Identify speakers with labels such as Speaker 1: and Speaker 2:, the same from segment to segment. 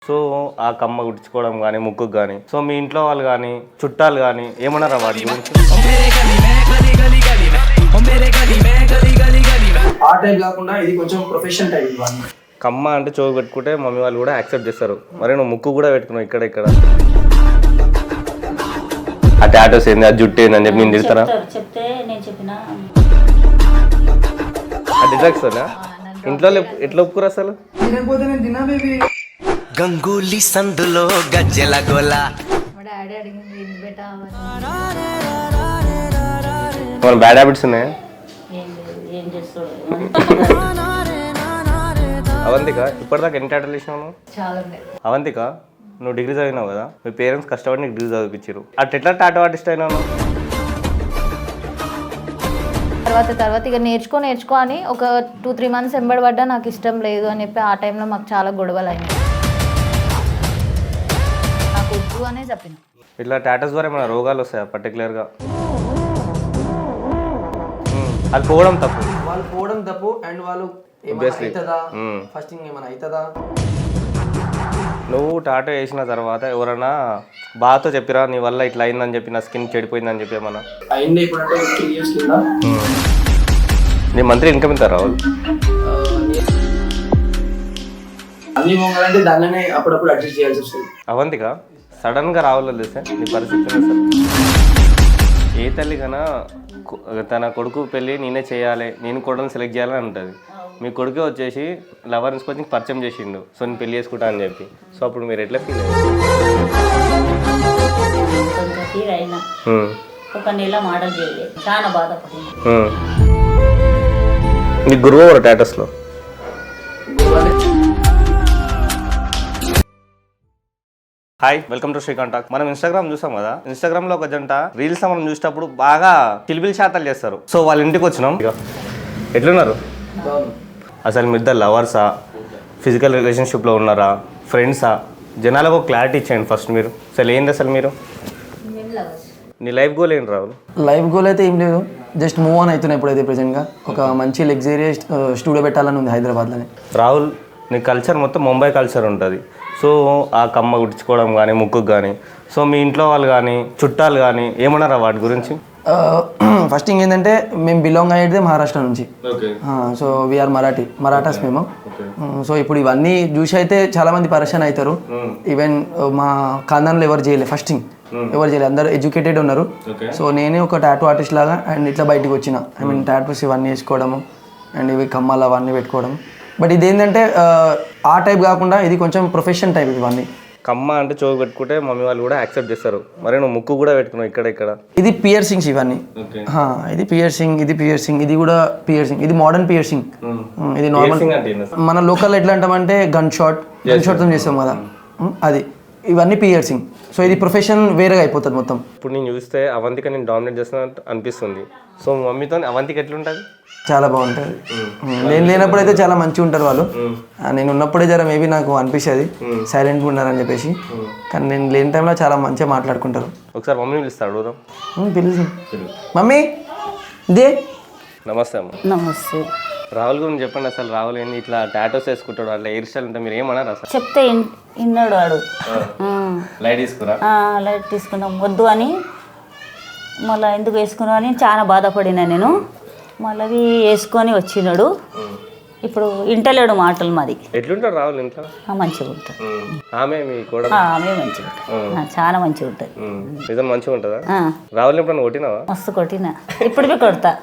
Speaker 1: So ఆ కమ్మ గుర్చుకోవడం కానీ ముక్కుకు కానీ సో మీ ఇంట్లో వాళ్ళు కానీ చుట్టాలు కానీ ఏమన్నారా వాటి గురించి?
Speaker 2: ఆ టైప్ కాకుండా ఇది కొంచెం ప్రొఫెషన్ టైప్ ఇవన్నీ.
Speaker 1: కమ్మ అంటే చెవు పెట్టుకుంటే మమ్మీ వాళ్ళు కూడా యాక్సెప్ట్ చేస్తారు. మరి నువ్వు ముక్కు కూడా పెట్టుకున్నావు ఇక్కడ ఇక్కడ ఆ టాటోస్ ఏంది ఆ జుట్టు ఏంది అని చెప్పి నేను తిడతారా?
Speaker 3: చెప్తే నేను చెప్పిన
Speaker 1: డిజాక్సోనా ఇంట్లో ఎట్లా ఒప్పుకురా అసలు?
Speaker 2: తినకపోతే నేను తిన్నా బేబీ.
Speaker 4: గంగూలీ సందులో గజ్జెల గోల
Speaker 3: మా డాడీ అడిగింది ఇది బెటా
Speaker 1: మన బ్యాడ్ హ్యాబిట్స్ ఉన్నాయా?
Speaker 3: ఏం లేదు, ఏం చేస్తాడు
Speaker 1: అవంతిక ఇప్పటిదాకా ఎన్ని టాటోలు వేసినావు?
Speaker 3: చాలా ఉన్నాయి.
Speaker 1: అవంతిక నువ్వు డిగ్రీ చదివినావు కదా, మీ పేరెంట్స్ కష్టపడి నీకు డిగ్రీ చదివించారు. అట్లా ఎట్లా టాటో ఆర్టిస్ట్ అయినావు?
Speaker 5: తర్వాత ఇక నేర్చుకో అని ఒక 2-3 months ఎంబడబడ్డా నాకు ఇష్టం లేదు అని చెప్పి ఆ టైంలో మాకు చాలా గొడవలు అయినాయి. నాకు వద్దు అనే చెప్పిన.
Speaker 1: ఇట్లా టాటోస్ ద్వారా ఏమైనా రోగాలు వస్తాయా పర్టికులర్గా? అది పోవడం తప్పు,
Speaker 2: వాళ్ళు పోవడం తప్పు. అండ్ వాళ్ళు అవుతుందా ఫస్టింగ్ ఏమైనా అవుతుందా?
Speaker 1: నువ్వు టాటో వేసిన తర్వాత ఎవరైనా బాధతో చెప్పిరా నీ వల్ల ఇట్లా అయిందని చెప్పి, నా స్కిన్ చెడిపోయిందని చెప్పి ఏమన్నా?
Speaker 2: అయింది ఇప్పుడు అంటే 3 years కింద.
Speaker 1: నీ మంత్లీ ఇన్కమ్ ఎంత రావాలి?
Speaker 2: అన్ని పోగాలంటే దానిలోనే అప్పుడప్పుడు అడ్జస్ట్ చేయాల్సి వస్తుంది.
Speaker 1: అవంతిక సడన్గా రావాలో తెలిసే నీ పరిస్థితి అసలు. ఏ తల్లి కన్నా తన కొడుకు పెళ్ళి నేనే చేయాలి, నేను కొడుకుని సెలెక్ట్ చేయాలని ఉంటుంది. మీ కొడుకే వచ్చేసి లవర్ తీసుకొచ్చి పరిచయం చేసిండు, సో నేను పెళ్లి చేసుకుంటా అని చెప్పి. సో అప్పుడు మీరు ఎట్లా ఫీల్ అయ్యారు?
Speaker 3: కొంచెం ఫీల్ అయినా ఒక నెల మోడల్ చేయలేదు, చాలా బాధపడింది.
Speaker 1: నీ గురువు ఎవరు టాటోస్లో? Hi, welcome to Srikanth talk. మనం ఇన్స్టాగ్రామ్ చూసాం కదా, ఇన్స్టాగ్రామ్ లో ఒక జంట రీల్స్ మనం చూసేటప్పుడు బాగా చిలిపిలి శాతాలు చేస్తారు. సో వాళ్ళ ఇంటికి వచ్చినాం. ఎట్లున్నారు అసలు? మీ ఇద్దరు లవర్సా, ఫిజికల్ రిలేషన్షిప్లో ఉన్నారా, ఫ్రెండ్సా? జనాలకు ఒక క్లారిటీ ఇచ్చేయండి ఫస్ట్. మీరు అసలు ఏంటి అసలు మీరు? నీ లైఫ్ గోల్ ఏంటి రాహుల్?
Speaker 2: లైఫ్ గోల్ అయితే ఏం లేదు, జస్ట్ మూవ్ ఆన్ అవుతున్నాయి ఇప్పుడైతే ప్రెజెంట్గా. ఒక మంచి లగ్జరియస్ స్టూడియో పెట్టాలని ఉంది హైదరాబాద్లోనే.
Speaker 1: రాహుల్, నీ కల్చర్ మొత్తం ముంబై కల్చర్ ఉంటుంది. సో ఆ కమ్మ గుర్చుకోవడం కానీ ముక్కుకు కానీ సో మీ ఇంట్లో వాళ్ళు కానీ చుట్టాలు కానీ ఏమన్నారా వాటి గురించి?
Speaker 2: ఫస్ట్ థింగ్ ఏంటంటే మేము బిలాంగ్ అయ్యేది మహారాష్ట్ర నుంచి. సో వీఆర్ మరాఠాస్ మేము. సో ఇప్పుడు ఇవన్నీ చూసి అయితే చాలా మంది పరేషాన్ అవుతారు. ఈవెన్ మా ఖాందాన్లో ఎవరు చేయలేదు, ఫస్ట్ థింగ్ ఎవరు చేయలేదు, అందరూ ఎడ్యుకేటెడ్ ఉన్నారు. సో నేనే ఒక టాటూ ఆర్టిస్ట్ లాగా అండ్ ఇట్లా బయటకు వచ్చిన. ఐ మీన్ టాటూస్ ఇవన్నీ వేసుకోవడము అండ్ ఇవి కమ్మలు అవన్నీ పెట్టుకోవడం. బట్ ఇది ఏంటంటే ఆ టైప్ కాకుండా ఇది కొంచెం ప్రొఫెషన్ టైప్. ఇవన్నీ
Speaker 1: కమ్మ అంటే చెవు పెట్టుకుంటే మమ్మీ వాళ్ళు కూడా యాక్సెప్ట్ చేస్తారు. మరి నువ్వు ముక్కు కూడా పెట్టుకున్నావు ఇక్కడ ఇక్కడ.
Speaker 2: ఇది పియర్సింగ్స్ ఇవన్నీ. ఇది పియర్సింగ్, ఇది కూడా పియర్సింగ్. ఇది మోడర్న్ పియర్సింగ్. ఇది నార్మల్ మన లోకల్ ఎట్లా అంటామంటే గన్ షాట్తో చేస్తాం కదా, అది. ఇవన్నీ పియర్సింగ్. సో ఇది ప్రొఫెషన్ వేరేగా అయిపోతుంది మొత్తం.
Speaker 1: ఇప్పుడు నేను చూస్తే అవంతిక నేను డామినేట్ చేస్తున్నట్టు అనిపిస్తుంది. సో మమ్మీతో అవంతిక ఎట్లుంటుంది?
Speaker 2: చాలా బాగుంటుంది. నేను లేనప్పుడు అయితే చాలా మంచిగా ఉంటారు వాళ్ళు. నేను ఉన్నప్పుడే జర మేబీ నాకు అనిపిస్తుంది సైలెంట్గా ఉన్నారని చెప్పేసి. కానీ నేను లేని టైంలో చాలా మంచిగా మాట్లాడుకుంటారు.
Speaker 1: ఒకసారి మమ్మీ పిలుస్తాడు, అడుగుదాం.
Speaker 2: పిలుసు మమ్మీ దే.
Speaker 1: నమస్తే అమ్మ.
Speaker 3: నమస్తే.
Speaker 1: రాహుల్ గురించి చెప్పండి అసలు. రాహుల్ ఏంటి ఇట్లా టాటోస్ వేసుకుంటాడు, అట్లా హెయిర్ స్టైల్ అంటే మీరు ఏమన్నారు అసలు?
Speaker 3: చెప్తే విన్నాడు వాడు.
Speaker 1: లైట్ తీసుకురా,
Speaker 3: లైట్ తీసుకున్నాం వద్దు అని, మళ్ళీ ఎందుకు వేసుకున్నావు అని చాలా బాధపడినా నేను. మళ్ళీ అవి వేసుకొని వచ్చినాడు. ఇప్పుడు ఇంటలేడు మాటలు. మాది
Speaker 1: ఎట్లుంటాడు రాహుల్ ఇంట్లో?
Speaker 3: మంచిగా ఉంటుంది.
Speaker 1: ఆమె మీ కూడా
Speaker 3: ఆమె మంచిగా ఉంటుంది, చాలా మంచిగా ఉంటుంది.
Speaker 1: నిజం మంచిగా ఉంటుందా? రాహుల్ ఎప్పుడన్నా కొట్టినావా?
Speaker 3: మస్తు కొట్టినా, ఇప్పుడు కొడతా.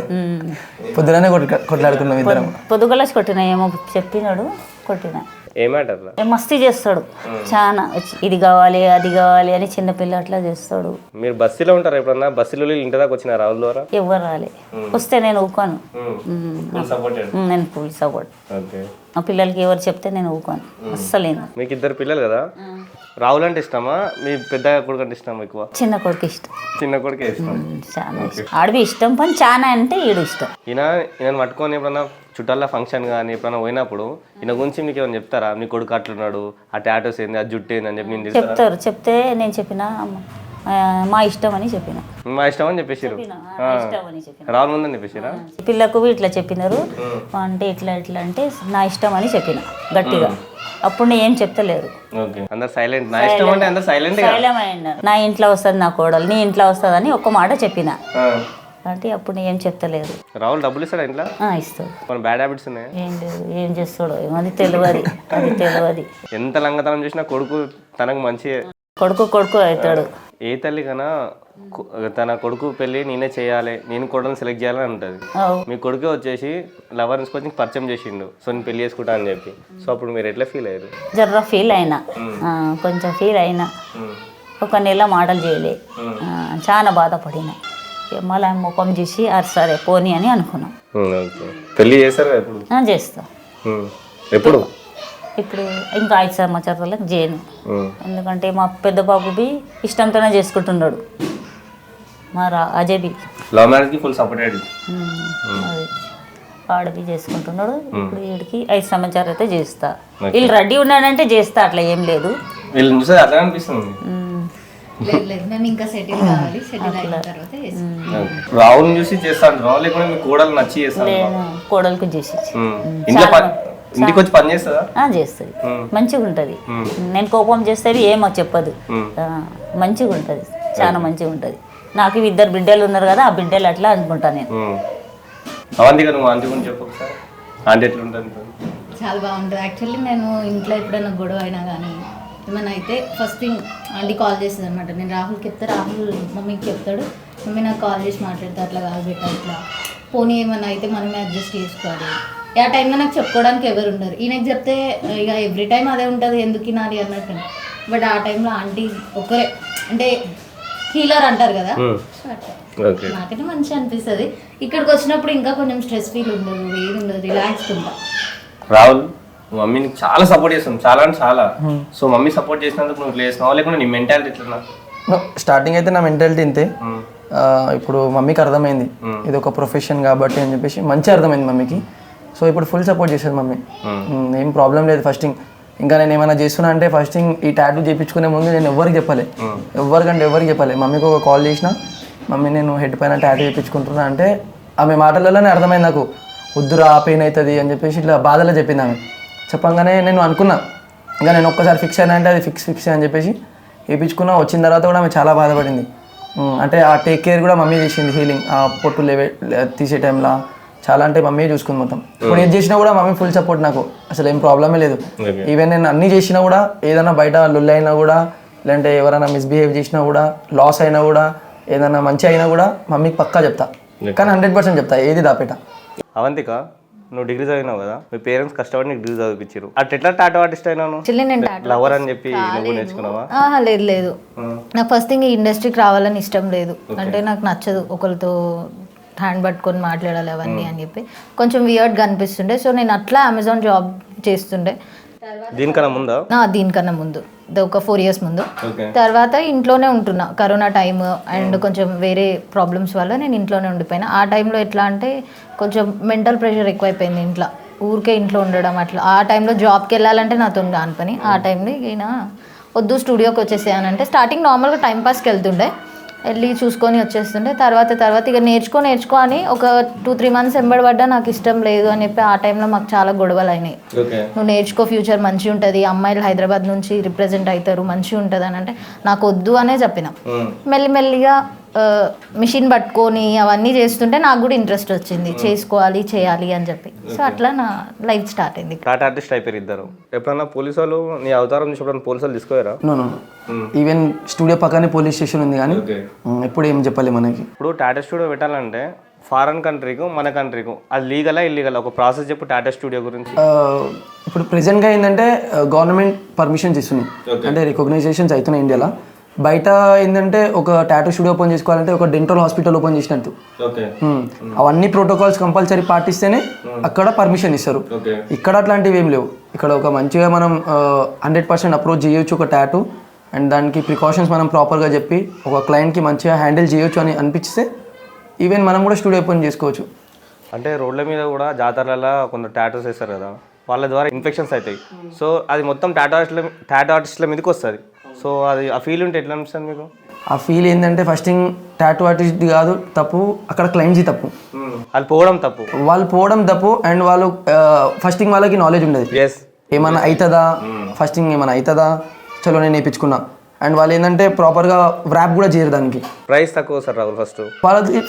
Speaker 2: పొద్దునే కొట్లాడుకున్నాం ఇద్దరం.
Speaker 3: పొద్దుగలసి కొట్టినా, ఏమో చెప్పినాడు, కొట్టినా.
Speaker 1: ఏమాటర్లా
Speaker 3: మస్తీ చేస్తాడు చాలా. ఇది కావాలి అది కావాలి అని చిన్నపిల్ల అట్లా చేస్తాడు.
Speaker 1: మీరు బస్సులో ఉంటారా ఎప్పుడన్నా? బస్సులో ఇంటి దాకా వచ్చిన రాహుల్ ద్వారా?
Speaker 3: ఎవరు రాలే, వస్తే నేను ఊకోను. నేను ఫుల్ సపోర్ట్. మా పిల్లలకి ఎవరు చెప్తే నేను ఊకోను అస్సలేదు.
Speaker 1: మీకు ఇద్దరు పిల్లలు కదా, రాహుల్ అంటే ఇష్టమా మీ పెద్ద కొడుకు అంటే ఇష్టమా ఎక్కువ?
Speaker 3: చిన్న కొడుకు ఇష్టం.
Speaker 1: చిన్న కొడుకే ఇష్టం.
Speaker 3: చాలా ఇష్టం. ఆడవి ఇష్టం, కానీ చాలా అంటే ఈడు ఇష్టం.
Speaker 1: ఈయన పట్టుకొని ఎప్పుడన్నా చుట్టాల ఫంక్షన్ కానీ ఎప్పుడైనా పోయినప్పుడు ఈయన గురించి మీకు ఏమైనా చెప్తారా? మీ కొడుకు అట్లున్నాడు, ఆ టాటోస్ ఏంది, ఆ జుట్టు ఏంది అని చెప్పి నేను
Speaker 3: చెప్తారు. చెప్తే నేను చెప్పిన మా ఇష్టం అని చెప్పిన
Speaker 1: మా ఇష్టం అని చెప్పేసారు.
Speaker 3: నా ఇష్టం అని చెప్పిన
Speaker 1: రాహుల్ ముందని చెప్పేసారా?
Speaker 3: పిల్లకు ఇట్లా చెప్పినారు అంటే ఇట్లా అంటే నా ఇష్టం అని చెప్పిన గట్టిగా. అప్పుడు నేను ఏం చెప్తలేరు.
Speaker 1: ఓకే, అందరు సైలెంట్. నా ఇష్టం అంటే అందరు సైలెంట్.
Speaker 3: నా ఇంట్లో వస్తుంది నా కోడలు, నీ ఇంట్లో వస్తుంది అని ఒక్క మాట చెప్పిన అంటే అప్పుడు నేను ఏం చెప్తలేరు.
Speaker 1: రాహుల్ డబ్బులు ఇస్తాడా ఇంట్లో?
Speaker 3: ఇస్తాడు.
Speaker 1: మన బ్యాడ్ హ్యాబిట్స్ ఉన్నాయి.
Speaker 3: ఏం లేదు, ఏం చేస్తాడో అది తెలియదు. అది తెలియదు.
Speaker 1: ఎంత లంగతనం చేసినా కొడుకు తనకు మంచి
Speaker 3: కొడుకు అవుతాడు.
Speaker 1: ఏ తల్లి కన్నా తన కొడుకు పెళ్ళి నేనే చేయాలి, నేను కొడుకుని సెలెక్ట్ చేయాలని ఉంటుంది. మీ కొడుకే వచ్చేసి లవర్ కొంచెం పరిచయం చేసిండు, సో నేను పెళ్లి చేసుకుంటా అని చెప్పి. సో అప్పుడు మీరు ఎట్లా ఫీల్ అయ్యారు?
Speaker 3: జర్ర ఫీల్ అయినా, కొంచెం ఫీల్ అయినా. ఒక నెల మాటలు చేయలే, చాలా బాధపడినా. మళ్ళీ ముఖం చూసి సరే పోనీ అని అనుకున్నాం.
Speaker 1: పెళ్లి చేస్తారు ఎప్పుడు?
Speaker 3: చేస్తా.
Speaker 1: ఎప్పుడు?
Speaker 3: ఇప్పుడు ఇంకా 5 సంవత్సరాలకు చేయను. ఎందుకంటే మా పెద్ద బాబుబి ఇష్టంతోనే చేసుకుంటున్నాడు. మా అజయ్
Speaker 1: లవ్ మ్యారేజ్కి ఫుల్ సపోర్ట్.
Speaker 3: అది ఆడబి చేసుకుంటున్నాడు. ఇప్పుడు వీడికి 5 సంవత్సరాలు అయితే చేస్తా. వీళ్ళు రెడీ ఉన్నాడంటే చేస్తా, అట్లా ఏం లేదు.
Speaker 1: వీళ్ళని చూస్తే అట్లా అనిపిస్తుంది.
Speaker 5: మేము ఇంకా సెటిల్ కావాలి, సెటిల్ అయిన తర్వాత
Speaker 1: రాహుల్ చూసి చేస్తాను. రాహుల్ లేకుండా మీ కోడలు నచ్చి చేస్తాను.
Speaker 3: కోడలకు చేసి
Speaker 1: ఇంటికి వచ్చి పని చేస్తుందా?
Speaker 3: చేస్తుంది. మంచిగా ఉంటుంది. నేను కోపం చేస్తే ఏమో చెప్పదు. మంచిగా ఉంటుంది, చాలా మంచిగా ఉంటుంది. నాకు 2 బిడ్డలు ఉన్నారు కదా, ఆ బిడ్డలు అట్లా అనుకుంటా నేను.
Speaker 1: అవంతి నువ్వు ఆంటీ గురించి చెప్పు ఒకసారి. ఆంటీ ఎట్లా ఉంటుంది?
Speaker 5: చాలా బాగుంటుంది. యాక్చువల్లీ నేను ఇంట్లో ఎప్పుడైనా గొడవ అయినా కానీ ఏమైనా అయితే ఫస్ట్ థింగ్ ఆంటీ కాల్ చేస్తుంది అనమాట. నేను రాహుల్కి చెప్తే రాహుల్ మమ్మీకి చెప్తాడు. మమ్మీ నాకు కాల్ చేసి మాట్లాడితే అట్లా కాదు బిడ్డ, ఇట్లా పోనీ ఏమైనా అయితే మనమే అడ్జస్ట్ చేసుకోవాలి. ఆ టైంలో నాకు చెప్పుకోవడానికి ఎవరు ఉండరు. ఈయనకి చెప్తే ఇక ఎవ్రీ టైం అదే ఉంటుంది, ఎందుకు నాది అన్నట్టు. బట్ ఆ టైంలో ఆంటీ ఒక్కరే, అంటే హీలర్ అంటారు కదా, నాకైతే మంచిగా అనిపిస్తుంది. ఇక్కడికి వచ్చినప్పుడు ఇంకా కొంచెం స్ట్రెస్ ఫీల్ ఉండదు, ఏది ఉండదు, రిలాక్స్ ఉంటా.
Speaker 1: రాహుల్ మమ్మీని చాలా సపోర్ట్ చేస్తాం, చాలా అంటే చాలా. సో మమ్మీ సపోర్ట్ చేసినందుకు నువ్వు చేసినావా, లేకుండా నీ మెంటాలిటీ ఎట్లా?
Speaker 2: స్టార్టింగ్ అయితే నా మెంటాలిటీ ఇంతే. ఇప్పుడు మమ్మీకి అర్థమైంది ఇది ఒక ప్రొఫెషన్ కాబట్టి అని చెప్పేసి, మంచిగా అర్థమైంది మమ్మీకి. సో ఇప్పుడు ఫుల్ సపోర్ట్ చేసేది మమ్మీ. ఏం ప్రాబ్లం లేదు. ఫస్టింగ్ ఇంకా నేను ఏమైనా చేస్తున్నా అంటే ఫస్టింగ్ ఈ టాటూ చేయించుకునే ముందు నేను ఎవరికి చెప్పాలి, ఎవరికి చెప్పాలి. మమ్మీకి ఒక కాల్ చేసిన, మమ్మీ నేను హెడ్ పైన టాటూ చేయించుకుంటున్నా అంటే ఆమె మాటలలోనే అర్థమైంది నాకు, వద్దురా పెయిన్ అవుతుంది అని చెప్పేసి ఇట్లా బాధలో చెప్పింది ఆమె. చెప్పంగానే నేను అనుకున్నా ఇంకా నేను ఒక్కసారి ఫిక్స్ అయినా అంటే అది ఫిక్స్ అని చెప్పేసి వేయించుకున్నా. వచ్చిన తర్వాత కూడా ఆమె చాలా బాధపడింది. అంటే ఆ టేక్ కేర్ కూడా మమ్మీ చేసింది, హీలింగ్ ఆ పొట్టు తీసే టైంలో చాలా అంటే మమ్మీ చూసుకుంది మొత్తం. ఇప్పుడు ఏది చేసినా కూడా మమ్మీ ఫుల్ సపోర్ట్ నాకు, అసలు ఏం ప్రాబ్లమే లేదు. ఈవెన్ నేను అన్నీ చేసినా కూడా, ఏదైనా బయట లొల్లి అయినా కూడా, లేదంటే ఎవరైనా మిస్బిహేవ్ చేసినా కూడా, లాస్ అయినా కూడా, ఏదైనా మంచి అయినా కూడా మమ్మీకి పక్కా చెప్తా. కానీ 100% చెప్తా, ఏది దాపేట.
Speaker 1: అవంతిక, నువ్వు డిగ్రీ చదివినావు కదా, మీ పేరెంట్స్ కష్టపడి నీకు డిగ్రీ చదివించారు. అట్ ఎట్లా టాటూ ఆర్టిస్ట్ అయినాను? లవర్ అని చెప్పి నువ్వు నేర్చుకున్నావా?
Speaker 5: లేదు. నాకు ఫస్ట్ థింగ్ ఈ ఇండస్ట్రీకి రావాలని ఇష్టం లేదు. అంటే నాకు నచ్చదు ఒకరితో హ్యాండ్ పట్టుకొని మాట్లాడాలి అవన్నీ అని చెప్పి, కొంచెం వియర్డ్గా అనిపిస్తుండే. సో నేను అట్లా అమెజాన్ జాబ్ చేస్తుండే. దీనికన్నా ముందు ఒక 4 years ముందు. తర్వాత ఇంట్లోనే ఉంటున్నా, కరోనా టైమ్ అండ్ కొంచెం వేరే ప్రాబ్లమ్స్ వల్ల నేను ఇంట్లోనే ఉండిపోయినా. ఆ టైంలో ఎట్లా అంటే కొంచెం మెంటల్ ప్రెషర్ ఎక్కువైపోయింది ఇంట్లో, ఊరికే ఇంట్లో ఉండడం అట్లా. ఆ టైంలో జాబ్కి వెళ్ళాలంటే నాతో కాని పని. ఆ టైంలో ఈయన వద్దు స్టూడియోకి వచ్చేసానంటే, స్టార్టింగ్ నార్మల్గా టైంపాస్కి వెళ్తుండే, వెళ్ళి చూసుకొని వచ్చేస్తుండే. తర్వాత ఇక నేర్చుకో అని ఒక 2-3 months ఎంబడబడ్డా, నాకు ఇష్టం లేదు అని చెప్పి. ఆ టైంలో మాకు చాలా గొడవలు అయినాయి. నువ్వు నేర్చుకో, ఫ్యూచర్ మంచిగా ఉంటుంది, అమ్మాయిలు హైదరాబాద్ నుంచి రిప్రజెంట్ అవుతారు, మంచిగా ఉంటుంది అని అంటే నాకు వద్దు అనే చెప్పిన. మెల్లిమెల్లిగా మిషన్ పట్టుకొని అవన్నీ చేస్తుంటే నాకు కూడా ఇంట్రెస్ట్ వచ్చింది, చేసుకోవాలి చేయాలి అని చెప్పి. సో అట్లా నా లైఫ్ స్టార్ట్ అయింది.
Speaker 1: టాటూ ఆర్టిస్ట్ అయిపోయారు ఇద్దరు. ఎప్పుడన్నా పోలీసు వాళ్ళు నీ అవతారం చూసి పోలీసు వాళ్ళు తీసుకోరా?
Speaker 2: ఈవెన్ స్టూడియో పక్కనే పోలీస్ స్టేషన్ ఉంది, కానీ ఎప్పుడు ఏం చెప్పాలి మనకి.
Speaker 1: ఇప్పుడు టాటూ స్టూడియో పెట్టాలంటే ఫారెన్ కంట్రీకు మన కంట్రీకు అది లీగలా ఇల్లీగలా? ఒక ప్రాసెస్ చెప్పు టాటూ స్టూడియో గురించి.
Speaker 2: ఇప్పుడు ప్రెసెంట్గా ఏంటంటే గవర్నమెంట్ పర్మిషన్స్ ఇస్తున్నాయి, అంటే రికగ్నైజేషన్స్ అవుతున్నాయి ఇండియాలో. బయట ఏంటంటే ఒక టాటూ స్టూడియో ఓపెన్ చేసుకోవాలంటే ఒక డెంటల్ హాస్పిటల్ ఓపెన్ చేసినట్టు అవన్నీ ప్రోటోకాల్స్ కంపల్సరీ పాటిస్తేనే అక్కడ పర్మిషన్ ఇస్తారు. ఇక్కడ అట్లాంటివి ఏం లేవు. ఇక్కడ ఒక మంచిగా మనం 100% అప్రోచ్ చేయొచ్చు ఒక టాటూ, అండ్ దానికి ప్రికాషన్స్ మనం ప్రాపర్గా చెప్పి ఒక క్లయింట్కి మంచిగా హ్యాండిల్ చేయొచ్చు అని అనిపిస్తే ఈవెన్ మనం కూడా స్టూడియో ఓపెన్ చేసుకోవచ్చు.
Speaker 1: అంటే రోడ్ల మీద కూడా జాతరలలో కొందరు టాటూస్ వేస్తారు కదా, వాళ్ళ ద్వారా ఇన్ఫెక్షన్స్ అవుతాయి. సో అది మొత్తం టాటూ ఆర్టిస్టుల మీదకి వస్తుంది. సో అది ఆ ఫీల్ ఉంటే ఎట్లా అనిపిస్తుంది మీకు?
Speaker 2: ఆ ఫీల్ ఏంటంటే ఫస్టింగ్ టాటూ ఆర్టిస్ట్ కాదు తప్పు, అక్కడ క్లయింట్స్ తప్పు.
Speaker 1: వాళ్ళు పోవడం తప్పు.
Speaker 2: వాళ్ళు పోవడం తప్పు అండ్ వాళ్ళు ఫస్టింగ్ వాళ్ళకి నాలెడ్జ్ ఉండదు,
Speaker 1: ఎస్
Speaker 2: ఏమన్నా అవుతుందా, ఫస్టింగ్ ఏమైనా అవుతుందా, చలో నేను నేర్పించుకున్నా. అండ్ వాళ్ళు ఏంటంటే ప్రాపర్గా ర్యాప్ కూడా చేయరు దానికి.
Speaker 1: ప్రైస్ తక్కువ సార్ రాహుల్ ఫస్ట్.
Speaker 2: వాళ్ళకి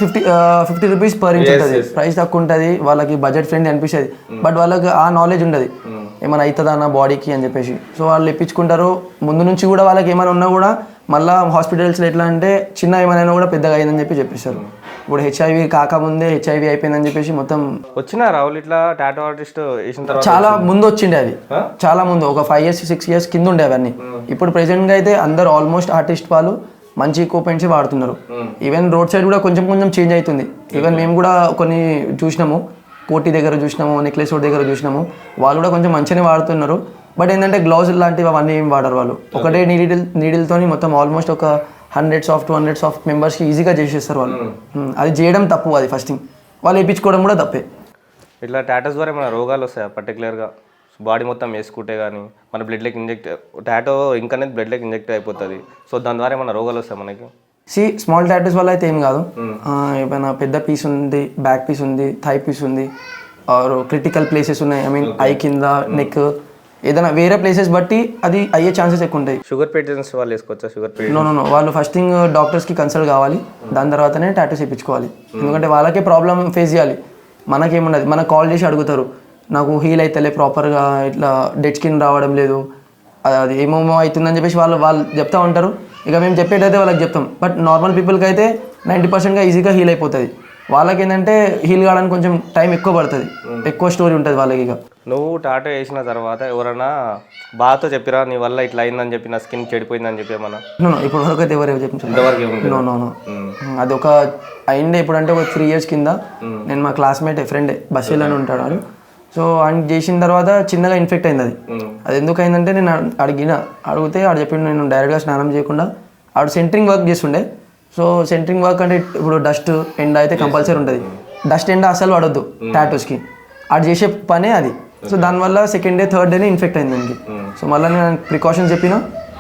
Speaker 2: 50 రూపీస్ పర్ ఇంచ్ ఉంటుంది, ప్రైస్ తక్కువ ఉంటుంది, వాళ్ళకి బడ్జెట్ ఫ్రెండ్లీ అనిపిస్తుంది. బట్ వాళ్ళకి ఆ నాలెడ్జ్ ఉండదు ఏమైనా అవుతుందా నా బాడీకి అని చెప్పేసి. సో వాళ్ళు ఇప్పించుకుంటారు. ముందు నుంచి కూడా వాళ్ళకి ఏమైనా ఉన్నా కూడా మళ్ళీ హాస్పిటల్స్లో ఎట్లా అంటే చిన్న ఏమైనా కూడా పెద్దగా అయిందని చెప్పేస్తారు. ఇప్పుడు హెచ్ఐవి కాకముందే హెచ్ఐవి అయిపోయిందని చెప్పేసి మొత్తం
Speaker 1: వచ్చిన రాహుల్ ఇట్లా టాటూ ఆర్టిస్ట్ వేసిన తర్వాత
Speaker 2: చాలా ముందు వచ్చిండే అవి, చాలా ముందు ఒక 5 years 6 years కింద ఉండే అవన్నీ. ఇప్పుడు ప్రెసెంట్గా అయితే అందరు ఆల్మోస్ట్ ఆర్టిస్ట్ వాళ్ళు మంచి ఎక్విప్మెంట్స్ వాడుతున్నారు. ఈవెన్ రోడ్ సైడ్ కూడా కొంచెం కొంచెం చేంజ్ అవుతుంది. ఈవెన్ మేము కూడా కొన్ని చూసినాము, కోటి దగ్గర చూసినాము, నెక్లెస్ రోడ్ దగ్గర చూసినాము, వాళ్ళు కూడా కొంచెం మంచిగానే వాడుతున్నారు. బట్ ఏంటంటే గ్లౌజ్ లాంటివి అవన్నీ ఏం వాడరు వాళ్ళు. ఒకటే నీడిల్తో మొత్తం ఆల్మోస్ట్ ఒక 100s of 200s of మెంబర్స్కి ఈజీగా చేసేస్తారు వాళ్ళు. అది చేయడం తప్పు, అది ఫస్టింగ్ వాళ్ళు వేయించుకోవడం కూడా తప్పే.
Speaker 1: ఇట్లా టాటూస్ ద్వారా మన రోగాలు వస్తాయి పర్టికులర్గా బాడీ మొత్తం వేసుకుంటే కానీ మన బ్లడ్లోకి ఇంజెక్ట్ టాటూ ఇంకా బ్లడ్లోకి ఇంజెక్ట్ అయిపోతుంది. సో దాని ద్వారా ఏమైనా రోగాలు వస్తాయి మనకి.
Speaker 2: స్మాల్ టాటూస్ వల్ల అయితే ఏం కాదు. ఏమైనా పెద్ద పీస్ ఉంది, బ్యాక్ పీస్ ఉంది, థై పీస్ ఉంది, ఆర్ క్రిటికల్ ప్లేసెస్ ఉన్నాయి, ఐ మీన్ ఐ కింద, నెక్, ఏదైనా వేరే ప్లేసెస్ బట్టి అది అయ్యే ఛాన్సెస్ ఎక్కువ ఉంటాయి.
Speaker 1: షుగర్ పేషెంట్స్ వాళ్ళు వేసుకోవచ్చా? షుగర్ పేషెంట్
Speaker 2: నో వాళ్ళు ఫస్టింగ్ డాక్టర్స్కి కన్సల్ట్ కావాలి, దాని తర్వాతనే టాటూస్ వేయించుకోవాలి. ఎందుకంటే వాళ్ళకే ప్రాబ్లం ఫేస్ చేయాలి, మనకేముండదు. మనకు కాల్ చేసి అడుగుతారు, నాకు హీల్ అవుతలే ప్రాపర్గా, ఇట్లా డెడ్ స్కిన్ రావడం లేదు, అది ఏమేమో అవుతుందని చెప్పేసి వాళ్ళు చెప్తూ ఉంటారు. ఇక మేము చెప్పేటైతే వాళ్ళకి చెప్తాం. బట్ నార్మల్ పీపుల్కి అయితే 90% ఈజీగా హీల్ అయిపోతుంది. వాళ్ళకి ఏంటంటే హీల్ కావడానికి కొంచెం టైం ఎక్కువ పడుతుంది, ఎక్కువ స్టోరీ ఉంటుంది వాళ్ళకి. ఇక
Speaker 1: నువ్వు టాటూ వేసిన తర్వాత ఎవరైనా బాధతో చెప్పిరా నీ వల్ల ఇట్లా అయిందని చెప్పి, నా స్కిన్ చెడిపోయిందని చెప్పి ఏమన్నా?
Speaker 2: ఇప్పుడు వరకు అయితే ఎవరు చెప్పించారు?
Speaker 1: ఇంతవరకు
Speaker 2: నో అది ఒక అయిండే ఎప్పుడంటే ఒక 3 years కింద. నేను మా క్లాస్మేట్ ఫ్రెండే బస్సులో అని ఉంటాడు వాడు. సో ఆయన చేసిన తర్వాత చిన్నగా ఇన్ఫెక్ట్ అయింది. అది ఎందుకు అయిందంటే నేను అడిగితే ఆడు చెప్పిండు, నేను డైరెక్ట్గా స్నానం చేయకుండా ఆడు సెంటరింగ్ వర్క్ చేస్తుండే. సో సెంటరింగ్ వర్క్ అంటే ఇప్పుడు డస్ట్ ఎండ అయితే కంపల్సరీ ఉంటుంది. డస్ట్ ఎండ అసలు పడొద్దు టాటూస్కి, ఆడు చేసే పనే అది. సో దానివల్ల సెకండ్ డే థర్డ్ డేనే ఇన్ఫెక్ట్ అయింది దానికి. సో మళ్ళీ నేను ప్రికాషన్స్ చెప్పిన,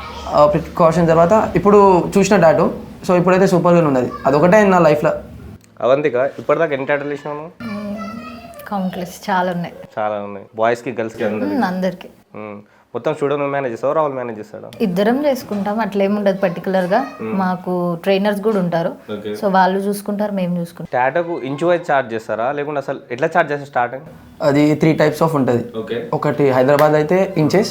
Speaker 2: ప్రికాషన్ తర్వాత ఇప్పుడు చూసిన టాటూ. సో ఇప్పుడైతే సూపర్గా ఉన్నది. అదొకటే అయింది నా లైఫ్లో.
Speaker 1: అవంతిక ఇప్పటిదాకా ఎన్ని టాటూలు వేసినావు?
Speaker 5: కౌంట్లెస్, చాలా ఉన్నాయి.
Speaker 1: చాలా ఉన్నాయి, బాయ్స్కి గర్ల్స్కి
Speaker 5: అందరికి.
Speaker 1: మొత్తం స్టూడియో నువ్వు మేనేజ్ చేస్తావు, రాహుల్ మేనేజ్ చేస్తాడా?
Speaker 5: ఇద్దరం చేసుకుంటాం, అట్లేముండదు పర్టికులర్గా. మాకు ట్రైనర్స్ కూడా ఉంటారు, సో వాళ్ళు చూసుకుంటారు, మేము చూసుకుంటాం.
Speaker 1: టాటూకు ఇంచు వైజ్ ఛార్జ్ చేస్తారా లేకుంటే అసలు ఎట్లా ఛార్జ్ చేస్తారు స్టార్టింగ్?
Speaker 2: అది 3 types ఆఫ్ ఉంటుంది. ఒకటి హైదరాబాద్ అయితే ఇంచెస్,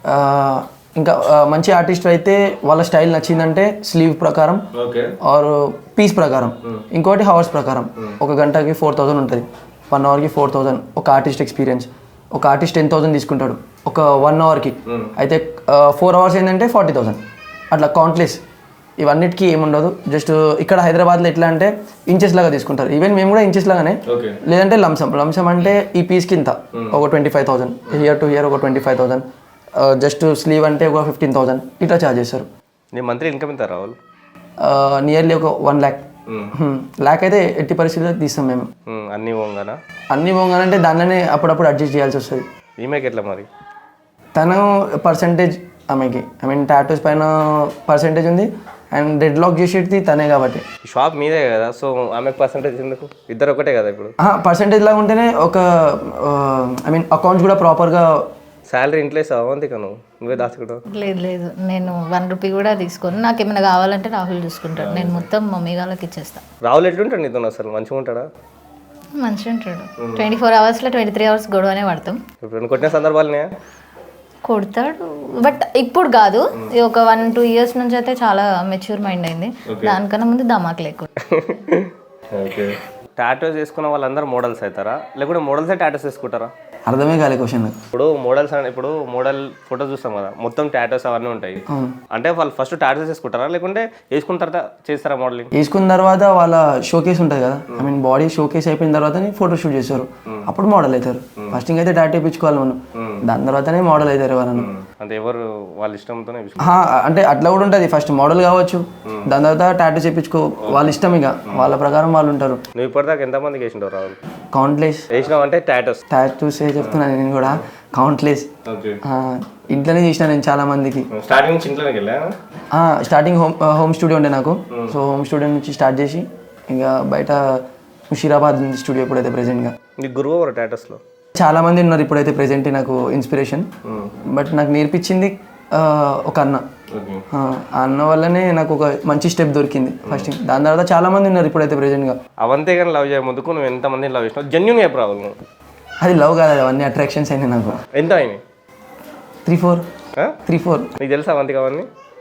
Speaker 2: ఇంకా మంచి ఆర్టిస్ట్ అయితే వాళ్ళ స్టైల్ నచ్చిందంటే స్లీవ్ ప్రకారం ఆర్ పీస్ ప్రకారం, ఇంకోటి హవర్స్ ప్రకారం. 1 గంటకి 4000 ఉంటుంది, 1 hourకి 4000. ఒక ఆర్టిస్ట్ ఎక్స్పీరియన్స్, ఒక ఆర్టిస్ట్ 10,000 తీసుకుంటాడు ఒక 1 hourకి. అయితే 4 hours ఏంటంటే 40,000. అట్లా కౌంట్లెస్. ఇవన్నిటికీ ఏముండదు. జస్ట్ ఇక్కడ హైదరాబాద్లో ఎట్లా అంటే ఇంచెస్ లాగా తీసుకుంటారు. ఈవెన్ మేము కూడా ఇంచెస్ లాగానే, లేదంటే లంసమ్ అంటే ఈ పీస్కి ఇంత ఒక 25,000, హియర్ టు హియర్ ఒక 25,000, జస్ట్ స్లీవ్ అంటే ఒక 15,000 ఇట్లా ఛార్జ్ చేస్తారు.
Speaker 1: నీ మంత్లీ ఇన్కమ్ ఎంత రాహుల్?
Speaker 2: నియర్లీ ఒక 1 lakh. lakh అయితే ఎట్టి పరిస్థితుల్లో తీస్తాం మేము.
Speaker 1: అన్నీ పోగానా?
Speaker 2: అన్నీ పోగానంటే దానిలోనే అప్పుడప్పుడు అడ్జస్ట్ చేయాల్సి వస్తుంది.
Speaker 1: ఈమెకి ఎట్లా మరి?
Speaker 2: తను పర్సంటేజ్ ఆమెకి, ఐ మీన్ టాటూస్ పైన పర్సంటేజ్ ఉంది అండ్ డెడ్ లాక్ చేసేది తనే కాబట్టి.
Speaker 1: షాప్ మీదే కదా, సో ఆమెకు పర్సంటేజ్ ఎందుకు? ఇద్దరు ఒకటే కదా ఇప్పుడు.
Speaker 2: పర్సంటేజ్ లాగా ఉంటేనే ఒక ఐ మీన్ అకౌంట్స్ కూడా ప్రాపర్గా.
Speaker 1: శాలరీ ఇంట్లో అవంతిక నువ్వే దాచుకుంటావు?
Speaker 5: లేదు నేను 1 rupee కూడా తీసుకోను. నాకు ఏమైనా కావాలంటే రాహుల్ చూసుకుంటాడు, నేను మొత్తం మమ్మీ వాళ్ళకి ఇచ్చేస్తాను.
Speaker 1: రాహుల్ ఎట్లుంటాడు నీతో అసలు? మంచిగా ఉంటాడా?
Speaker 5: మంచిగా ఉంటాడు. 24 hours లో 23 hours గొడవనే పడతాం.
Speaker 1: ఇప్పుడు కొట్టిన సందర్భాలనే
Speaker 5: కొడతాడు, బట్ ఇప్పుడు కాదు. ఒక 1-2 years నుంచి అయితే చాలా మెచ్యూర్ మైండ్ అయింది. దానికన్నా ముందు ధమాక్ లేకుండా.
Speaker 1: టాటూస్ వేసుకున్న వాళ్ళందరూ మోడల్స్ అవుతారా లేకుంటే మోడల్సే టాటూస్ వేసుకుంటారా?
Speaker 2: అర్థమే కాలే క్వశ్చన్.
Speaker 1: ఇప్పుడు మోడల్స్ అంటే ఇప్పుడు మోడల్ ఫోటో చూస్తాం కదా, మొత్తం టాటూస్ అవన్నీ ఉంటాయి. అంటే వాళ్ళు ఫస్ట్ టాటూస్ వేసుకుంటారా లేకుంటే వేసుకున్న తర్వాత చేస్తారా మోడలింగ్?
Speaker 2: వేసుకున్న తర్వాత వాళ్ళ షోకేస్ ఉంటుంది కదా, ఐ మీన్ బాడీ షోకేస్ అయిపోయిన తర్వాతనే ఫోటో షూట్ చేస్తారు, అప్పుడు మోడల్ అవుతారు. ఫస్టింగ్ అయితే టాటూ వేయించుకోవాలి మనం, దాని తర్వాతనే మోడల్ అవుతారు ఎవరన్నా.
Speaker 1: అంటే ఎవరు వాళ్ళ ఇష్టంతోనే
Speaker 2: అంటే అట్లా కూడా ఉంటుంది. ఫస్ట్ మోడల్ కావచ్చు, దాని తర్వాత టాటూ చేయించుకో, వాళ్ళ ఇష్టం, ఇక వాళ్ళ ప్రకారం వాళ్ళు ఉంటారు.
Speaker 1: నువ్వు ఇప్పటిదాకా ఎంతమందికి వేసింటావు రాహుల్?
Speaker 2: కౌంట్లెస్
Speaker 1: వేసినావు అంటే టాటూస్
Speaker 2: చెప్తున్నాను నేను కూడా, కౌంట్లెస్. ఇంట్లోనే చేసిన నేను చాలా మందికి.
Speaker 1: స్టార్టింగ్ నుంచి ఇంట్లోకి వెళ్ళా?
Speaker 2: స్టార్టింగ్ హోమ్ స్టూడియో ఉండే నాకు. సో హోమ్ స్టూడియో నుంచి స్టార్ట్ చేసి ఇంకా బయట ముషీరాబాద్ స్టూడియో ఇప్పుడైతే ప్రెజెంట్గా.
Speaker 1: నీకు గురువు ఎవరు టాటూస్లో?
Speaker 2: చాలా మంది ఉన్నారు ఇప్పుడైతే ప్రెజెంట్ నాకు ఇన్స్పిరేషన్. బట్ నాకు నేర్పించింది ఒక అన్న. ఆ అన్న వల్లనే నాకు ఒక మంచి స్టెప్ దొరికింది ఫస్ట్. దాని తర్వాత చాలా మంది ఉన్నారు ఇప్పుడైతే ప్రెజెంట్గా.
Speaker 1: అవంతే కానీ లవ్ చేయ ముందుకు నువ్వు ఎంతమందిని లవ్ చేసినావు? జెన్యున్ చెప్పు రావాలి నువ్వు.
Speaker 2: అది లవ్ కాదు, అవన్నీ అట్రాక్షన్స్ అయినాయి నాకు.
Speaker 1: ఎంత అయినాయి?
Speaker 2: 3-4.
Speaker 1: నీకు తెలుసా అవంతి కావాలని?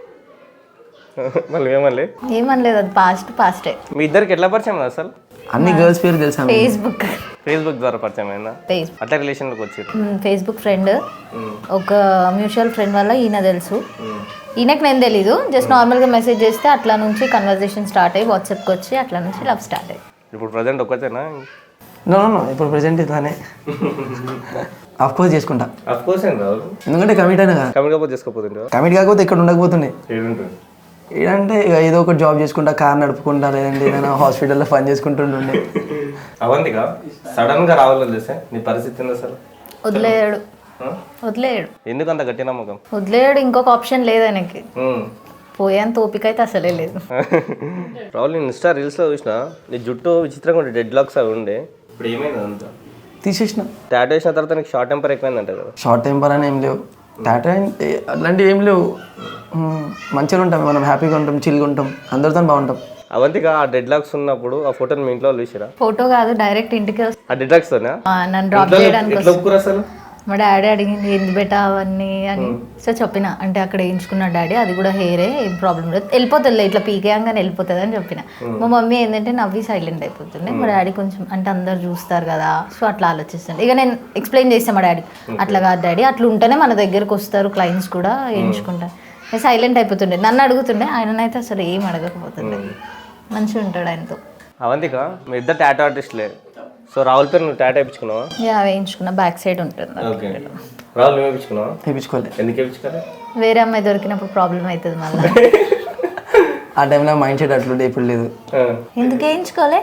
Speaker 1: మళ్ళీ
Speaker 5: ఏమనలేదు, అది పాస్టే.
Speaker 1: మీ ఇద్దరికి ఎట్లా పరిచయం అసలు?
Speaker 2: అన్ని గర్ల్స్ పేరు తెలుసా?
Speaker 5: ఫేస్బుక్
Speaker 1: ద్వారా పరిచయం అయినా అట్లా రిలేషన్లోకి వచ్చారు?
Speaker 5: ఫేస్బుక్ ఫ్రెండ్, ఒక మ్యూచువల్ ఫ్రెండ్ వల్ల ఈయన తెలుసు. ఈయనకు నేను తెలీదు, జస్ట్ నార్మల్గా మెసేజ్ చేస్తే అట్లా నుంచి కన్వర్జేషన్ స్టార్ట్ అయ్యి వాట్సాప్కి వచ్చి అట్లా నుంచి లవ్ స్టార్ట్ అయ్యి.
Speaker 1: ఇప్పుడు ప్రజెంట్ ఒక్కతేనా?
Speaker 2: నో ఇప్పుడు ప్రెజెంట్ ఇట్లానే. ఆఫ్ కోర్స్ చేసుకుంటా.
Speaker 1: ఆఫ్ కోర్స్ ఏం రాదు,
Speaker 2: ఎందుకంటే కమిట్ అయినా కదా.
Speaker 1: కమిట్ కాకపోతే చేసుకోపోతుంటే?
Speaker 2: కమిట్ కాకపోతే ఇక్కడ ఉండకపోతుండే. ఏంటంటే ఇక ఏదో ఒకటి జాబ్ చేసుకుంటా, కార్ నడుపుకుంటా, లేదంటే ఏదైనా హాస్పిటల్లో పని చేసుకుంటుండే.
Speaker 1: అవంతిగా సడన్ గా రావాలని తెలిసే నీ పరిస్థితి ఏంది అసలు?
Speaker 5: వదిలేయడు.
Speaker 1: ఎందుకు అంత గట్టి నమ్మకం?
Speaker 5: వదిలేయడు, ఇంకొక ఆప్షన్ లేదు ఆయనకి. పోయేంత ఓపిక అయితే అసలే లేదు.
Speaker 1: రాహుల్, నేను ఇన్స్టా రీల్స్లో చూసిన నీ జుట్టు విచిత్రంగా ఉండే, డెడ్ లాక్స్ అవి ఉండే. ఇప్పుడు ఏమైంది అంతా?
Speaker 2: తీసేసిన.
Speaker 1: టాటూ వేసిన తర్వాత నీకు షార్ట్ టెంపర్ ఎక్కువైందంట కదా?
Speaker 2: షార్ట్ టెంపర్ అని ఏం లేవు, టాటూ అట్లాంటివి ఏం లేవు. మంచిగా ఉంటాం, మనం హ్యాపీగా ఉంటాం, చిల్గా ఉంటాం, అందరితో బాగుంటాం.
Speaker 1: అవంతిగా ఆ డెడ్ లాక్స్ ఉన్నప్పుడు ఆ ఫోటోని మీ ఇంట్లో చూసిరా?
Speaker 5: ఫోటో కాదు, డైరెక్ట్ ఇంటికి
Speaker 1: ఆ డెడ్ లాక్స్ తోనా
Speaker 5: నన్ను డ్రాప్ చేయడానికి
Speaker 1: ఎట్లా ఒప్పుకురా అసలు?
Speaker 5: మా డాడీ అడిగింది ఏంది బెటా అవన్నీ అని. సో చెప్పిన, అంటే అక్కడ వేయించుకున్న డాడీ, అది కూడా హెయిరే, ఏం ప్రాబ్లం లేదు, వెళ్ళిపోతుంది ఇట్లా పీకేయంగానే వెళ్ళిపోతుంది అని చెప్పిన. మా మమ్మీ ఏంటంటే నవ్వి సైలెంట్ అయిపోతుంది. మా డాడీ కొంచెం అంటే అందరు చూస్తారు కదా, సో అట్లా ఆలోచిస్తాను. ఇక నేను ఎక్స్ప్లెయిన్ చేస్తాను మా డాడీ, అట్లా కాదు డాడీ, అట్లా ఉంటేనే మన దగ్గరకు వస్తారు క్లయింట్స్ కూడా, వేయించుకుంటారు. సైలెంట్ అయిపోతుండే, నన్ను అడుగుతుండే, ఆయననైతే అసలు ఏం అడగకపోతుండే. మంచిగా ఉంటాడు ఆయనతో.
Speaker 1: అవంతిక మీ ఇద్దరు టాటూ ఆర్టిస్ట్లే. సో రాహుల్ పేరు నువ్వు టాటూ వేయించుకున్నావా?
Speaker 5: వేయించుకున్నా, బ్యాక్ సైడ్ ఉంటుంది.
Speaker 1: ఓకే. రాహుల్ నువ్వు వేయించుకున్నావా?
Speaker 2: వేయించుకోలేదు.
Speaker 1: ఎందుకు వేయించుకోవాలి?
Speaker 5: వేరే అమ్మాయి దొరికినప్పుడు ప్రాబ్లం అవుతుంది మళ్ళీ.
Speaker 2: ఆ టైంలో మైండ్ సెట్ అట్లుండే, ఇప్పుడు లేదు.
Speaker 5: ఎందుకు వేయించుకోలే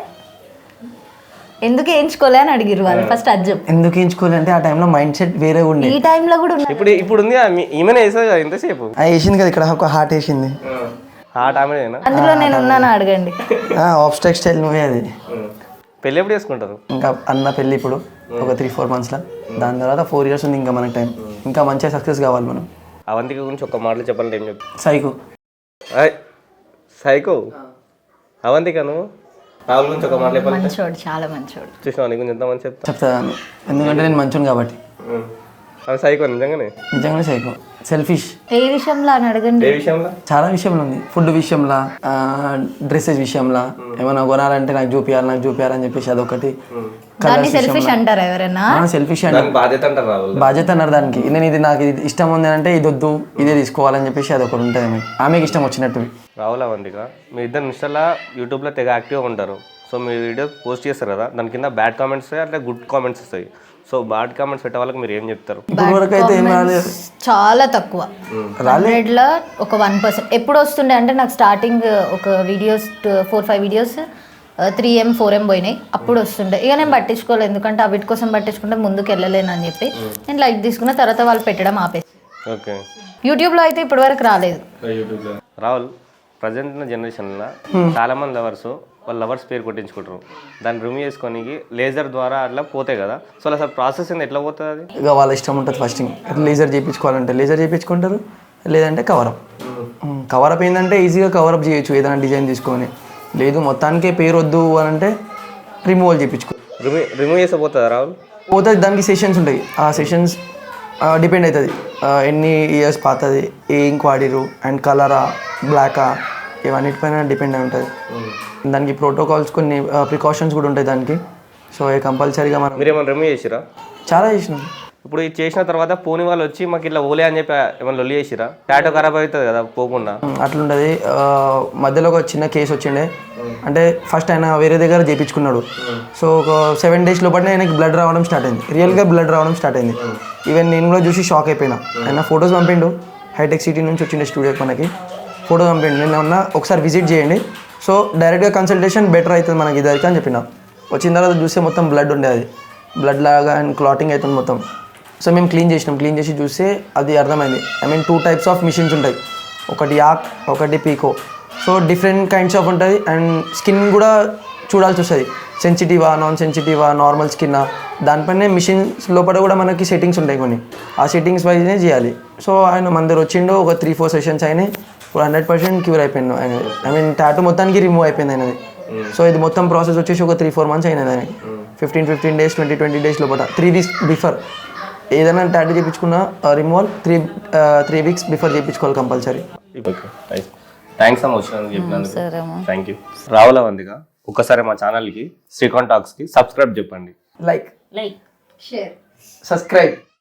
Speaker 5: అని అడిగిరు వాళ్ళు. ఫస్ట్ అది చెప్పు,
Speaker 2: ఎందుకు వేయించుకోలే అంటే ఆ టైంలో మైండ్ సెట్ వేరే ఉండే.
Speaker 5: ఈ టైంలో కూడా
Speaker 1: ఇప్పుడు ఉంది ఈమెనే వేసేది కదా ఎంతసేపు?
Speaker 2: వేసింది కదా, ఇక్కడ ఒక హార్ట్ వేసింది.
Speaker 1: హార్ట్ ఆమెనా?
Speaker 5: అందులో నేను ఉన్నాను, అడగండి.
Speaker 2: ఆఫ్ స్టైల్ నువ్వే అది.
Speaker 1: పెళ్ళి ఎప్పుడు చేసుకుంటారు?
Speaker 2: ఇంకా అన్న పెళ్ళి ఇప్పుడు ఒక 3-4 monthsలో, దాని తర్వాత 4 years ఉంది ఇంకా మనకు టైం. ఇంకా మంచిగా సక్సెస్ కావాలి మనం.
Speaker 1: అవంతిక గురించి ఒక మాటలు చెప్పాలంటే ఏం చెప్పు? సైకో అవంతిక. నువ్వు రాహుల్ గురించి ఒక మాటలు చెప్పాలి.
Speaker 5: మంచోడు, చాలా మంచోడు.
Speaker 1: చూసినావు నీ గురించి ఎంత మంచి
Speaker 2: చెప్తాను, ఎందుకంటే నేను మంచోను కాబట్టి.
Speaker 1: అది సైకో నిజంగానే
Speaker 2: సైకో, సెల్ఫిష్.
Speaker 5: ఏ విషయంలో అని అడగండి.
Speaker 1: ఏ విషయంలో?
Speaker 2: చాలా విషయంలో ఉంది. ఫుడ్ విషయంలో, డ్రెస్సెస్ విషయంలో, ఏమైనా కొనాలంటే నాకు చూపియాలని చెప్పేసి అదొకటి.
Speaker 5: సెల్ఫిష్ అంటారా ఎవరైనా?
Speaker 2: సెల్ఫిష్ అంటే
Speaker 1: బాధ్యత అంటారు రాహుల్.
Speaker 2: బాధ్యత అన్నారు దానికి. నేను ఇది నాకు ఇది ఇష్టం ఉంది అంటే ఇది వద్దు, ఇదే తీసుకోవాలని చెప్పేసి అదొకటి ఉంటుంది. ఆమెకి ఇష్టం వచ్చినట్టు.
Speaker 1: రాహుల్ అవంతిక మీ ఇద్దరు ఇన్స్టాలో యూట్యూబ్లో తెగ యాక్టివ్గా ఉంటారు. సో మీ వీడియో పోస్ట్ చేస్తారు కదా, దాని కింద బ్యాడ్ కామెంట్స్ వస్తాయి, అట్లా గుడ్ కామెంట్స్ వస్తాయి. సో బ్యాడ్ కామెంట్స్ పెట్టే వాళ్ళకి మీరు ఏం చెప్తారు?
Speaker 2: ఇప్పటివరకు అయితే ఏం రాలేదు,
Speaker 5: చాలా తక్కువ. 100లో ఒక 1%. ఎప్పుడు వస్తుండే అంటే నాకు స్టార్టింగ్ ఒక వీడియోస్ 4-5 వీడియోస్ 3M 4M పోయినాయి, అప్పుడు వస్తుండే. ఇక నేను పట్టించుకోలేదు, ఎందుకంటే వీటి కోసం పట్టించుకుంటే ముందుకు వెళ్ళలేను అని చెప్పి నేను లైక్ తీసుకున్న తర్వాత వాళ్ళు పెట్టడం ఆపేసి.
Speaker 1: ఓకే.
Speaker 5: యూట్యూబ్లో అయితే ఇప్పటివరకు రాలేదు.
Speaker 1: రాహుల్, ప్రజెంట్ ఉన్న జనరేషన్లో చాలామంది లవర్స్ వాళ్ళ లవర్స్ పేరు కొట్టించుకుంటారు, దాన్ని రిమూవ్ చేసుకోనికి లేజర్ ద్వారా అట్లా పోతాయి కదా. సో అసలు ప్రాసెస్ ఎట్లా పోతుంది అది?
Speaker 2: ఇక వాళ్ళ ఇష్టం ఉంటుంది. ఫస్ట్ లేజర్ చేయించుకోవాలంటే లేజర్ చేయించుకుంటారు, లేదంటే కవరప్. కవరప్ ఏంటంటే ఈజీగా కవరప్ చేయొచ్చు ఏదైనా డిజైన్ తీసుకొని. లేదు మొత్తానికే పేరు వద్దు అని అంటే రిమూవల్ చేయించుకో.
Speaker 1: రిమూవ్ చేస్తే పోతుందా రాహుల్?
Speaker 2: పోతుంది, దానికి సెషన్స్ ఉంటాయి. ఆ సెషన్స్ డిపెండ్ అవుతుంది ఎన్ని ఇయర్స్ పాతది, ఏ ఇంక్ వాడిరు, అండ్ కలరా, బ్లాకా, ఇవన్నిటిపైన డిపెండ్ అయి ఉంటుంది. దానికి ప్రోటోకాల్స్ కొన్ని ప్రికాషన్స్ కూడా ఉంటాయి దానికి. సో కంపల్సరీగా మనం.
Speaker 1: మీరు ఏమైనా రిమూవ్ చేసిరా?
Speaker 2: చాలా చేసినాం.
Speaker 1: ఇప్పుడు ఇది చేసిన తర్వాత పోని వాళ్ళు వచ్చి మాకు ఇట్లా ఓలే అని చెప్పి ఏమైనా లొల్లి చేసిరా? టాటూ ఖరాబ్ అవుతుంది కదా పోకుండా.
Speaker 2: అట్లుంటుంది. మధ్యలో ఒక చిన్న కేసు వచ్చిండే. అంటే ఫస్ట్ ఆయన వేరే దగ్గర చేయించుకున్నాడు. సో ఒక 7 days లోపలనే ఆయనకి బ్లడ్ రావడం స్టార్ట్ అయింది, రియల్గా బ్లడ్ రావడం స్టార్ట్ అయింది. ఈవెన్ నేను కూడా చూసి షాక్ అయిపోయినా. ఆయన ఫొటోస్ పంపిండు, హైటెక్ సిటీ నుంచి వచ్చిండే స్టూడియోకి మనకి ఫోటో పంపిండు. నేను ఏమన్నా ఒకసారి విజిట్ చేయండి, సో డైరెక్ట్గా కన్సల్టేషన్ బెటర్ అవుతుంది మనకి ఇద్దరికి అని చెప్పిన. వచ్చిన తర్వాత చూస్తే మొత్తం బ్లడ్ ఉండే, అది బ్లడ్ లాగా అండ్ క్లాటింగ్ అవుతుంది మొత్తం. సో మేము క్లీన్ చేసి చూస్తే అది అర్థమైంది. I mean 2 types of machines ఉంటాయి, ఒకటి యాక్ ఒకటి పీకో. సో డిఫరెంట్ కైండ్స్ ఆఫ్ ఉంటుంది. అండ్ స్కిన్ కూడా చూడాల్సి వస్తుంది, సెన్సిటివా నాన్ సెన్సిటివా నార్మల్ స్కిన్నా. దానిపైనే మిషన్స్ లోపల కూడా మనకి సెట్టింగ్స్ ఉంటాయి కొన్ని, ఆ సెట్టింగ్స్ వైజ్నే చేయాలి. సో ఆయన మన దగ్గర వచ్చిండు, ఒక 3-4 సెషన్స్ అయినాయి, ఇప్పుడు 100% క్యూర్ అయిపోయింది ఆయన. ఐ మీన్ టాటూ మొత్తానికి రిమూవ్ అయిపోయింది ఆయనది. సో ఇది మొత్తం ప్రాసెస్ వచ్చేసి ఒక 3-4 మంత్స్ అయినది ఆయనకి. 15 డేస్ 20 డేస్ లోపల 3 వీక్స్ బిఫోర్ ఏదైనా టాటూ చేయించుకున్న రిమూవల్ 3 వీక్స్ బిఫోర్ చేయించుకోవాలి కంపల్సరీ.
Speaker 1: థ్యాంక్స్ అమ్మ వచ్చినందుకు చెప్పినందుకు.
Speaker 3: సరే అమ్మా.
Speaker 1: Thank you. రావుల వందిగా ఒక్కసారి మా ఛానల్కి శ్రీకాంత్ టాక్స్కి సబ్స్క్రైబ్ చెప్పండి.
Speaker 2: Like
Speaker 3: like
Speaker 2: subscribe